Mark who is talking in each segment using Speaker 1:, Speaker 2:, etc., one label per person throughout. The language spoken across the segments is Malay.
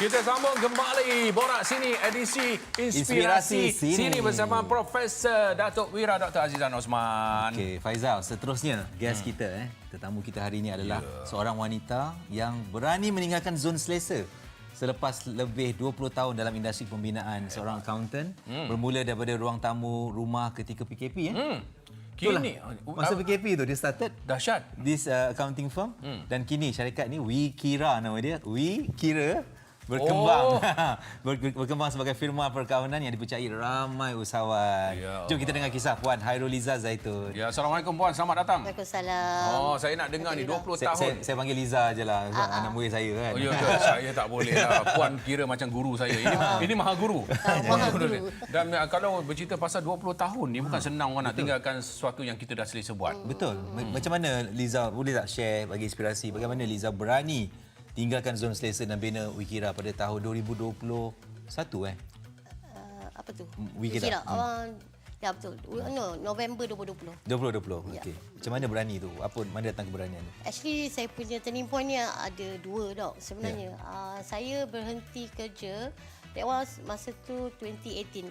Speaker 1: Kita sambung kembali Borak Sini edisi Inspirasi Sini bersama Profesor Datuk Wira Dr. Azizan Osman.
Speaker 2: Okey, Faizal, seterusnya guest kita tetamu kita hari ini adalah seorang wanita yang berani meninggalkan zon selesa selepas lebih 20 tahun dalam industri pembinaan. Seorang accountant bermula daripada ruang tamu rumah ketika PKP
Speaker 1: Kini
Speaker 2: masa PKP tu dia started
Speaker 1: dahsyat
Speaker 2: this accounting firm dan kini syarikat ni Wikira nama dia. Wikira berkembang berkembang sebagai firma perkawanan yang dipercayai ramai usahawan. Jom kita dengar kisah Puan Hairuliza Zaitun.
Speaker 1: Ya, Assalamualaikum Puan, selamat datang.
Speaker 3: Waalaikumsalam.
Speaker 1: Oh, saya nak dengar ni 20 tahun.
Speaker 2: Saya panggil Liza je lah, anak murid saya kan.
Speaker 1: Oh ya ke? Saya tak boleh lah. Puan kira macam guru saya. Ini maha guru.
Speaker 3: Maha guru.
Speaker 1: Dan kalau bercerita pasal 20 tahun ni bukan senang orang nak tinggalkan sesuatu yang kita dah selesa buat.
Speaker 2: Betul. Macam mana Liza, boleh tak share bagi inspirasi bagaimana Liza berani tinggalkan zon selesa dan bina Wikira pada tahun 2021
Speaker 3: Apa tu?
Speaker 2: Wikira.
Speaker 3: Ya betul. No, November 2020.
Speaker 2: 2020. Okey. Macam mana berani tu? Mana datang keberanian tu?
Speaker 3: Actually saya punya turning point ni ada dua dok sebenarnya. Saya berhenti kerja that was masa tu 2018.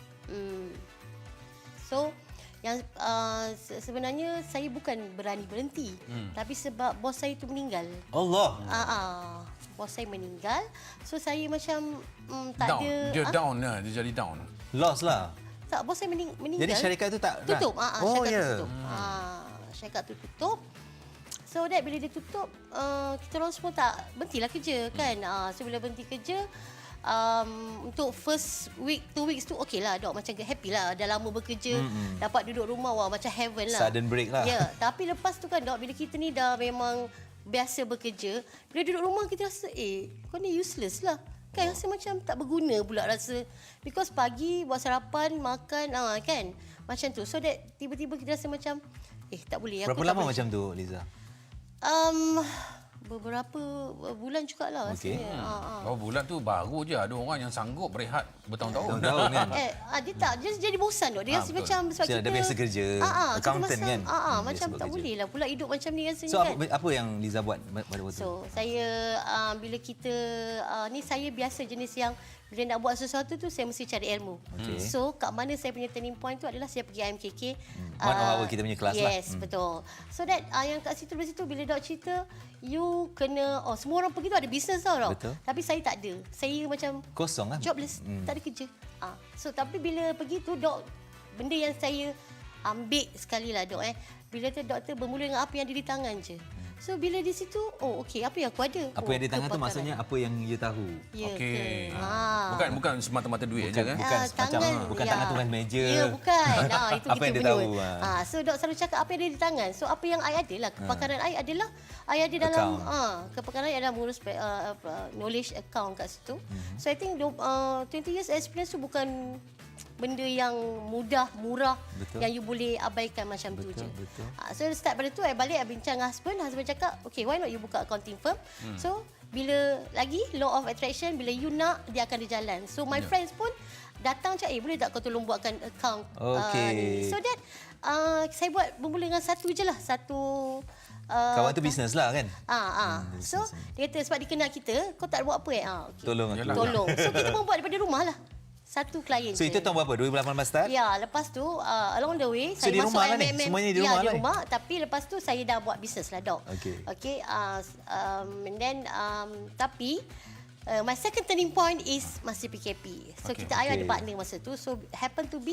Speaker 3: So yang sebenarnya saya bukan berani berhenti tapi sebab bos saya tu meninggal.
Speaker 2: Allah.
Speaker 3: Bos saya meninggal. So saya macam tak
Speaker 1: Down.
Speaker 3: ada
Speaker 1: Dia down lah. Dia jadi down.
Speaker 2: Loss lah.
Speaker 3: Tak, bos saya meninggal.
Speaker 2: Jadi syarikat tu tak
Speaker 3: tutup.
Speaker 2: Oh
Speaker 3: syarikat
Speaker 2: ya.
Speaker 3: tu tutup. Syarikat tu tutup. So that bila dia tutup, kita orang semua tak berhentilah kerja kan. So bila berhenti kerja, untuk first week, 2 weeks tu okey lah dok, macam happy lah, dah lama bekerja, dapat duduk rumah, wah macam heaven lah.
Speaker 2: Sudden break lah.
Speaker 3: Ya, tapi lepas tu kan dok, bila kita ni dah memang biasa bekerja, bila duduk rumah kita rasa kau ni useless lah. Kan rasa macam tak berguna pula rasa. Because pagi buat sarapan, makan, kan. Macam tu. So that tiba-tiba kita rasa macam tak boleh.
Speaker 2: Berapa lama macam tu Liza?
Speaker 3: Beberapa bulan jugalah rasanya.
Speaker 1: Oh, bulan tu baru je ada orang yang sanggup berehat bertahun-tahun.
Speaker 2: Tahun kan.
Speaker 3: Dia tak, dia jadi bosan dok. Dia rasa macam sebab kita
Speaker 2: dah biasa kerja, accountant kan.
Speaker 3: Macam tak boleh lah pula hidup macam ni rasanya
Speaker 2: so,
Speaker 3: kan.
Speaker 2: apa yang Liza buat pada waktu tu?
Speaker 3: So, saya bila kita ni saya biasa jenis yang bila nak buat sesuatu tu saya mesti cari ilmu. So, kat mana saya punya turning point tu adalah saya pergi IMKK.
Speaker 2: One of our kita punya kelas lah.
Speaker 3: Yes, betul. So that yang kat situ bila dok cerita you kena semua orang pergi tu ada bisnes tau dok.
Speaker 2: Betul.
Speaker 3: Tapi saya tak ada. Saya macam
Speaker 2: kosong kan?
Speaker 3: Jobless, tak ada kerja. So tapi bila pergi tu dok, benda yang saya ambil sekali lah dok bila tu doktor bermula dengan apa yang ada di tangan je. So bila di situ, okey, apa yang aku ada?
Speaker 2: Apa yang di tangan tu maksudnya apa yang you tahu.
Speaker 3: Ya,
Speaker 1: Okey. Bukan semata-mata duit aja kan?
Speaker 2: Bukan macam tangan tulis meja.
Speaker 3: Ya, bukan. Itu
Speaker 2: apa
Speaker 3: kita
Speaker 2: yang dia
Speaker 3: punya.
Speaker 2: tahu.
Speaker 3: So dok selalu cakap apa yang ada di tangan. So apa yang I ada lah, kepakaran I adalah I ada dalam kepakaran I adalah mengurus knowledge account kat situ. So I think 20 years experience tu bukan benda yang mudah, murah, yang you boleh abaikan macam tu je. So start pada tu, I balik, I bincang dengan husband cakap, okay, why not you buka accounting firm? So, bila lagi, law of attraction, bila you nak, dia akan berjalan. So, my friends pun datang cakap, boleh tak kau tolong buatkan account?
Speaker 2: Okay.
Speaker 3: So that, saya buat bermula dengan satu je lah, satu...
Speaker 2: kawan tu bisnes lah kan?
Speaker 3: So, dia kata sebab dia kenal kita, kau tak buat apa okay.
Speaker 2: Tolong aku.
Speaker 3: Tolong. So, kita pun buat daripada rumah lah. Satu klien
Speaker 2: So itu tahun berapa? 2018 start?
Speaker 3: Ya, lepas tu along the way
Speaker 2: so,
Speaker 3: saya
Speaker 2: di
Speaker 3: masuk
Speaker 2: rumah
Speaker 3: MMM.
Speaker 2: Kan, semuanya di rumah
Speaker 3: di rumah, tapi lepas tu saya dah buat bisnes lah dok. Okay. And then tapi my second turning point is masa PKP. So kita ada partner masa tu. So happen to be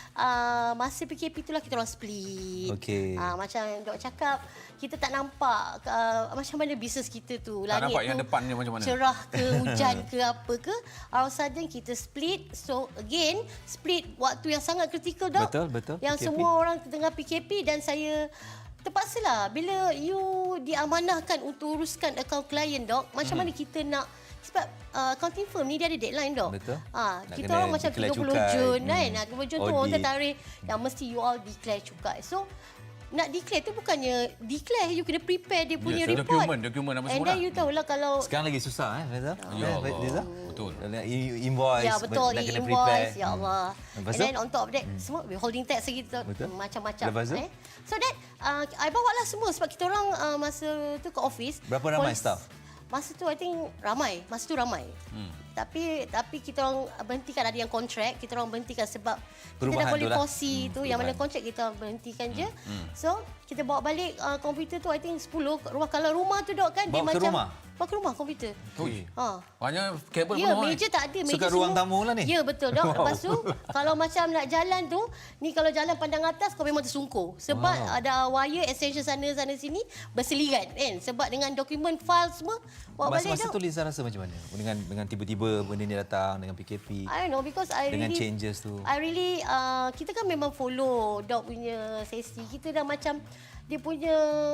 Speaker 3: masa PKP itulah kita orang split. Macam dok cakap, kita tak nampak macam mana bisnes kita tu.
Speaker 1: Tak nampak yang depannya macam mana.
Speaker 3: Cerah ke, hujan ke, apa ke. All of a sudden kita split. So again, split waktu yang sangat kritikal dok.
Speaker 2: Betul.
Speaker 3: Yang PKP. Semua orang tengah PKP dan saya terpaksalah. Bila you diamanahkan untuk uruskan akaun klien dok, macam mana kita nak. Sebab accounting firm ni dia ada deadline dok.
Speaker 2: Betul.
Speaker 3: Kita orang macam 30 Jun kan. 30 Jun tu orang tertarik yang mesti you all declare cukai. So nak declare tu bukannya declare, you kena prepare dia punya report.
Speaker 1: Dokumen apa semua.
Speaker 3: And then you tahulah kalau
Speaker 2: sekarang lagi susah Faizal.
Speaker 1: Ya, betul.
Speaker 2: Invoice.
Speaker 3: Ya betul,
Speaker 2: nak kena
Speaker 3: invoice.
Speaker 2: prepare.
Speaker 3: Ya Allah. And then on top of that semua withholding tax lagi macam-macam. So that I bawa lah semua sebab kita orang masa tu ke office.
Speaker 2: Berapa ramai staff?
Speaker 3: Masa tu I think ramai. Masa tu ramai. Tapi kita orang berhentikan, ada yang kontrak, kita orang berhentikan sebab kita dah
Speaker 2: Perubahan
Speaker 3: boleh
Speaker 2: tu lah.
Speaker 3: posi tu yang mana kontrak kita berhentikan je. So kita bawa balik komputer tu I think 10 rumah. Kalau rumah tu dok kan
Speaker 2: Bawa ke rumah?
Speaker 3: Bawa ke rumah komputer.
Speaker 1: Ui.
Speaker 3: Ha.
Speaker 1: Banyak kabel
Speaker 3: Ya,
Speaker 1: penuh.
Speaker 3: meja tak ada. Meja
Speaker 2: Kat ruang tamu lah ni?
Speaker 3: Ya, betul. Dok. Lepas tu, kalau macam nak jalan tu, ni kalau jalan pandang atas, kau memang tersungkur. Sebab ada wire extension sana sini berselirat kan. Sebab dengan dokumen file semua, bawa balik
Speaker 2: Masa
Speaker 3: Dok.
Speaker 2: tu Liza rasa macam mana? Dengan tiba-tiba benda ni datang dengan PKP.
Speaker 3: I don't know because I
Speaker 2: Dengan
Speaker 3: really
Speaker 2: changes tu.
Speaker 3: I really kita kan memang follow Dok punya sesi. Kita dah macam dia punya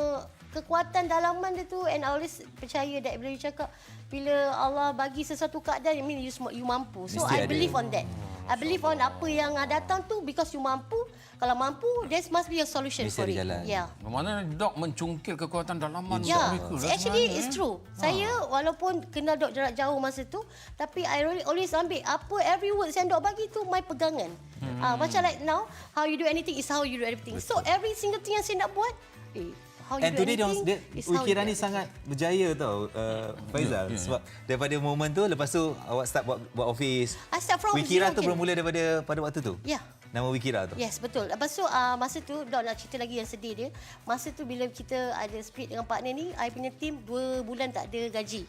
Speaker 3: kekuatan dalaman dia tu, and I always percaya that bila you cakap bila Allah bagi sesuatu keadaan, I mean you mampu. So
Speaker 2: Mesti
Speaker 3: I
Speaker 2: ada.
Speaker 3: believe on that. I believe on apa yang datang tu because you mampu. Kalau mampu, there must be a solution
Speaker 2: Mesti
Speaker 3: for
Speaker 2: ada
Speaker 3: it.
Speaker 2: jalan.
Speaker 3: Yeah.
Speaker 1: Mana Dok mencungkil kekuatan dalaman
Speaker 3: Ya,
Speaker 1: mereka.
Speaker 3: actually it's true. Saya walaupun kenal Dok jarak jauh masa tu, tapi I really always ambil apa every word yang Dok bagi tu my pegangan. Macam like now, how you do anything is how you do everything. So every single thing yang saya nak buat, how you
Speaker 2: And
Speaker 3: do
Speaker 2: today
Speaker 3: anything is how you
Speaker 2: Wikira
Speaker 3: do
Speaker 2: ni
Speaker 3: everything.
Speaker 2: sangat berjaya tau, Faizal. Sebab daripada momen tu, lepas tu awak start buat office.
Speaker 3: I start from
Speaker 2: Wikira
Speaker 3: zero
Speaker 2: tu
Speaker 3: again.
Speaker 2: bermula pada waktu tu?
Speaker 3: Ya.
Speaker 2: Nama Wikira tu?
Speaker 3: Yes, betul. Lepas tu masa tu Dok nak cerita lagi yang sedih dia. Masa tu bila kita ada split dengan partner ni, I punya team 2 bulan tak ada gaji.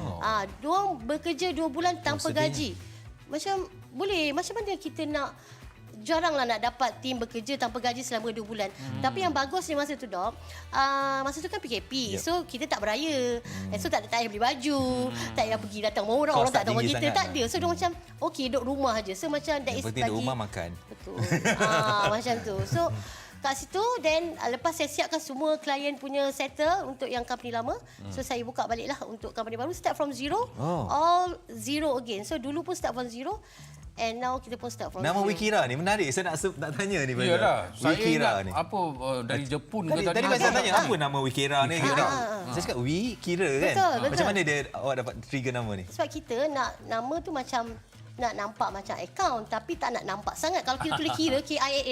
Speaker 3: Diorang bekerja 2 bulan tanpa
Speaker 2: sedihnya.
Speaker 3: gaji. Macam boleh, macam mana kita nak, jaranglah nak dapat tim bekerja tanpa gaji selama 2 bulan. Tapi yang bagusnya masa tu Dok, masa tu kan PKP.
Speaker 2: Yep.
Speaker 3: So kita tak beraya. So tak payah beli baju, tak payah pergi datang rumah orang,
Speaker 2: Kos
Speaker 3: orang
Speaker 2: tak
Speaker 3: tak tahu
Speaker 2: tinggi
Speaker 3: kita,
Speaker 2: sangat
Speaker 3: tak
Speaker 2: lah.
Speaker 3: ada. So dia macam okey duduk rumah aje. So macam that
Speaker 2: Yang
Speaker 3: is
Speaker 2: penting duduk rumah makan.
Speaker 3: Betul. Macam tu. So kat situ then lepas saya siapkan semua klien punya settle untuk yang company lama. So saya buka baliklah untuk company baru, start from zero. All zero again. So dulu pun start from zero. And now kita pun start from
Speaker 2: Nama
Speaker 3: zero.
Speaker 2: Wikira ni menarik. Saya nak tanya ni. Faizal.
Speaker 1: Iyalah, saya
Speaker 2: Wikira
Speaker 1: ingat
Speaker 2: ni.
Speaker 1: apa dari Jepun ke
Speaker 2: Tadi Faizal tanya apa nama Wikira ni?
Speaker 1: Wikira.
Speaker 2: Saya cakap Wikira kan?
Speaker 3: Betul.
Speaker 2: Macam mana awak dapat trigger nama ni?
Speaker 3: Sebab kita nak nama tu macam nak nampak macam account tapi tak nak nampak sangat. Kalau kita tulis kira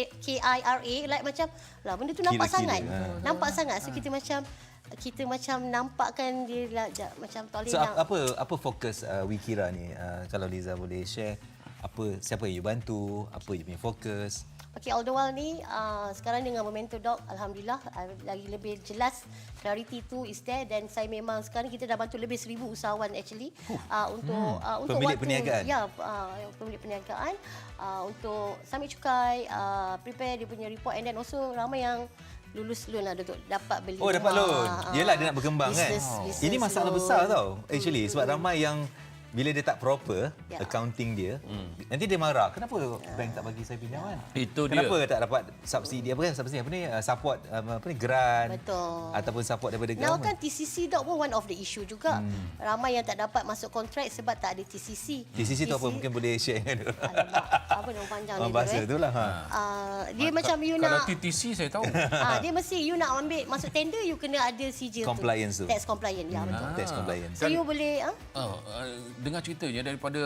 Speaker 3: KIRA like macam lah benda tu nampak
Speaker 2: Kira-kira.
Speaker 3: sangat. Nampak sangat. So kita macam nampakkan dia lah, macam tak boleh
Speaker 2: So
Speaker 3: nak.
Speaker 2: apa fokus Wikira ni? Kalau Liza boleh share, siapa yang you bantu, apa you punya fokus?
Speaker 3: Okey, all the while ni sekarang dengan Memento Doc, alhamdulillah lagi lebih jelas, clarity tu is there, dan saya memang sekarang kita dah bantu lebih 1,000 usahawan actually untuk
Speaker 2: Pemilik
Speaker 3: waktu
Speaker 2: perniagaan.
Speaker 3: ya, pemilik perniagaan untuk submit cukai, prepare dia punya report, and then also ramai yang lulus loan lah untuk dapat beli.
Speaker 2: Oh, dapat loan. Yelah, dia nak berkembang
Speaker 3: business,
Speaker 2: kan.
Speaker 3: business
Speaker 2: Ini masalah
Speaker 3: loan.
Speaker 2: besar tau actually, sebab ramai yang bila dia tak proper
Speaker 3: Ya.
Speaker 2: accounting dia, nanti dia marah. Kenapa bank tak bagi saya pinjaman?
Speaker 1: Itu dia.
Speaker 2: Kenapa tak dapat subsidi apa ni support apa ni grant?
Speaker 3: Betul.
Speaker 2: Ataupun support daripada
Speaker 3: Now
Speaker 2: government.
Speaker 3: kan TCC Doc pun one of the issue juga. Ramai yang tak dapat masuk kontrak sebab tak ada TCC.
Speaker 2: TCC tu apa, mungkin boleh share dengan dia.
Speaker 3: Alamak, apa nama panjang dia tu,
Speaker 2: Bahasa tu lah.
Speaker 3: dia macam you
Speaker 1: Kalau
Speaker 3: nak
Speaker 1: TTC saya tahu.
Speaker 3: dia mesti you nak ambil masuk tender, you kena ada sijil
Speaker 2: Compliance tu.
Speaker 3: Tax compliant, ya betul.
Speaker 2: Tax compliance.
Speaker 3: So you boleh
Speaker 1: Dengar ceritanya daripada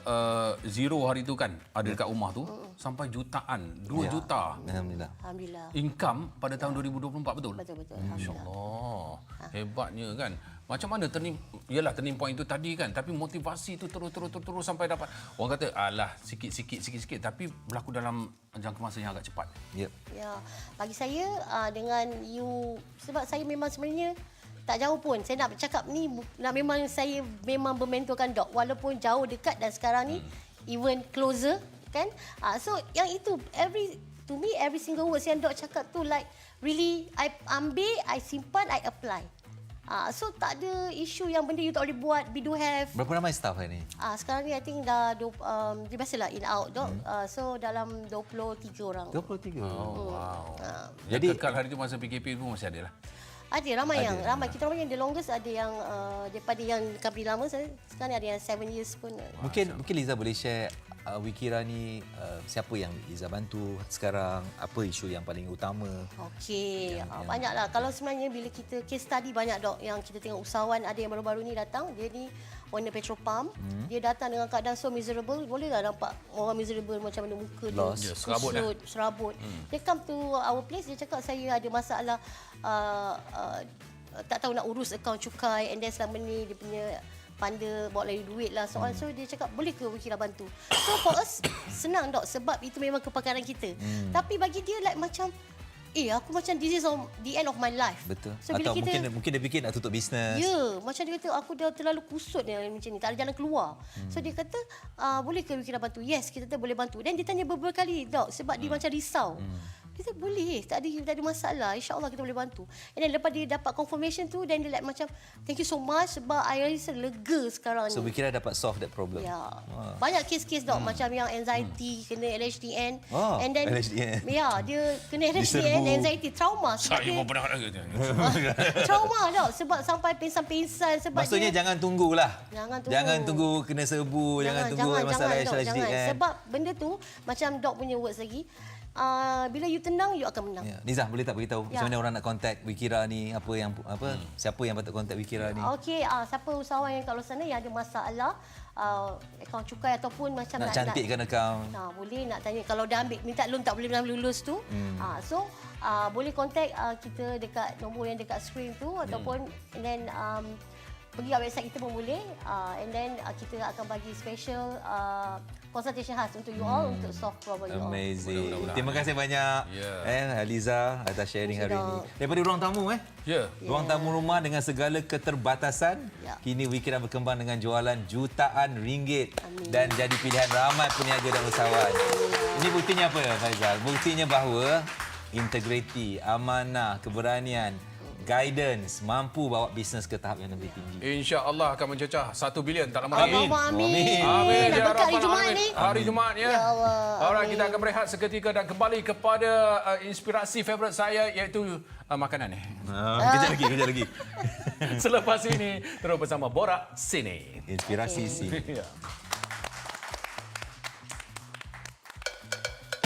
Speaker 1: zero hari tu kan, ada dekat rumah tu sampai jutaan, 2 juta
Speaker 2: Alhamdulillah.
Speaker 3: alhamdulillah.
Speaker 1: income pada tahun 2024, betul?
Speaker 3: Betul alhamdulillah.
Speaker 1: Oh, hebatnya kan. Macam mana turning point itu tadi kan, tapi motivasi itu terus sampai dapat. Orang kata alah sikit-sikit tapi berlaku dalam jangka masa yang agak cepat.
Speaker 2: Yep.
Speaker 3: Ya, bagi saya dengan you, sebab saya memang sebenarnya tak jauh pun. Saya nak bercakap ni memang saya memang bermentorkan Doc walaupun jauh dekat, dan sekarang ni even closer kan. So yang itu to me every single word yang Doc cakap tu like really I ambil, I simpan, I apply. So tak ada isu yang benda you tak boleh buat, we do have.
Speaker 2: Berapa ramai staff hari ni?
Speaker 3: Sekarang ni I think dah dia biasalah in out Doc. So dalam 23 orang.
Speaker 2: 23.
Speaker 1: Oh, wow.
Speaker 2: Jadi-
Speaker 1: Jadi kekal hari tu masa PKP pun masih ada lah.
Speaker 3: Ada ramai kita ramai yang the longest, ada yang daripada yang company lama sekarang ni ada yang 7 years pun.
Speaker 2: Mungkin Liza boleh share Wikira ni siapa yang Liza bantu sekarang, apa isu yang paling utama?
Speaker 3: Okey, banyaklah. Kalau sebenarnya bila kita case study banyak Doc yang kita tengok usahawan ada yang baru-baru ni datang, dia ni owner petrol pump. Dia datang dengan keadaan so miserable, bolehlah nampak orang miserable macam mana muka dia.
Speaker 2: Lost.
Speaker 1: Ya, serabut dah.
Speaker 3: Serabut. Dia come to our place, dia cakap saya ada masalah tak tahu nak urus akaun cukai, and then selama ni dia punya panda bawa lari duit lah soal. So dia cakap boleh ke Wikira bantu? So for us senang dok, sebab itu memang kepakaran kita. Tapi bagi dia like macam aku macam this is the end of my life.
Speaker 2: Betul.
Speaker 3: So, bila
Speaker 2: Atau
Speaker 3: kita,
Speaker 2: mungkin dia fikir nak tutup bisnes.
Speaker 3: Ya, macam dia kata aku dah terlalu kusut ni macam ni, tak ada jalan keluar. So dia kata boleh ke Wikira bantu? Yes, kita boleh bantu. Dan dia tanya beberapa kali dok, sebab dia macam risau. Dia kata boleh, tak ada masalah, insya-Allah kita boleh bantu. And then lepas dia dapat confirmation tu, dan dia like macam thank you so much, sebab I rasa lega sekarang
Speaker 2: So
Speaker 3: ni.
Speaker 2: Wikira dapat solve that problem.
Speaker 3: Ya. Banyak kes-kes dok, macam yang anxiety kena LHDN, and then
Speaker 2: LHDN.
Speaker 3: ya, dia kena LHDN,
Speaker 2: Diserbu.
Speaker 3: anxiety, trauma sebab
Speaker 1: Saya
Speaker 3: dia
Speaker 1: pun pernah ada.
Speaker 3: trauma dok, sebab sampai pingsan-pingsan sebab
Speaker 2: Maksudnya
Speaker 3: dia,
Speaker 2: jangan tunggulah.
Speaker 3: Jangan
Speaker 2: tunggu kena serbu, jangan tunggu masalah
Speaker 3: dok, jangan.
Speaker 2: LHDN.
Speaker 3: Sebab benda tu macam dok punya words lagi, bila you tenang, you akan menang.
Speaker 2: Ya. Nizah, boleh tak beritahu macam mana orang nak contact Wikira ni, siapa yang patut contact Wikira ni?
Speaker 3: Okey, siapa usahawan yang kat luar sana yang ada masalah akaun cukai ataupun macam
Speaker 2: Nak cantikkan akaun.
Speaker 3: Boleh nak tanya kalau dah ambil minta loan tak boleh lulus tu. So boleh contact kita dekat nombor yang dekat screen tu, ataupun and then pergi kat website kita pun boleh, and then kita akan bagi special consultation khas untuk you all, untuk solve problem you all.
Speaker 2: Amazing. Terima kasih banyak Aliza atas sharing hari ini. Daripada ruang tamu ruang tamu rumah dengan segala keterbatasan, kini Wikira berkembang dengan jualan jutaan ringgit.
Speaker 3: Amin.
Speaker 2: Dan jadi pilihan ramai peniaga dan usahawan. Ini buktinya apa, Faizal? Buktinya bahawa integriti, amanah, keberanian, guidance mampu bawa bisnes ke tahap yang lebih tinggi.
Speaker 1: InsyaAllah akan mencecah 1 bilion tak lama lagi.
Speaker 3: Amin.
Speaker 1: Amin.
Speaker 3: Nak berkat hari Jumaat ni.
Speaker 1: Hari Jumaat ya.
Speaker 3: Ya Allah.
Speaker 1: Alright, kita akan berehat seketika dan kembali kepada inspirasi favourite saya, iaitu makanan ni.
Speaker 2: Kejap lagi.
Speaker 1: Selepas ini terus bersama Borak Sini.
Speaker 2: Inspirasi sini.
Speaker 1: Ya.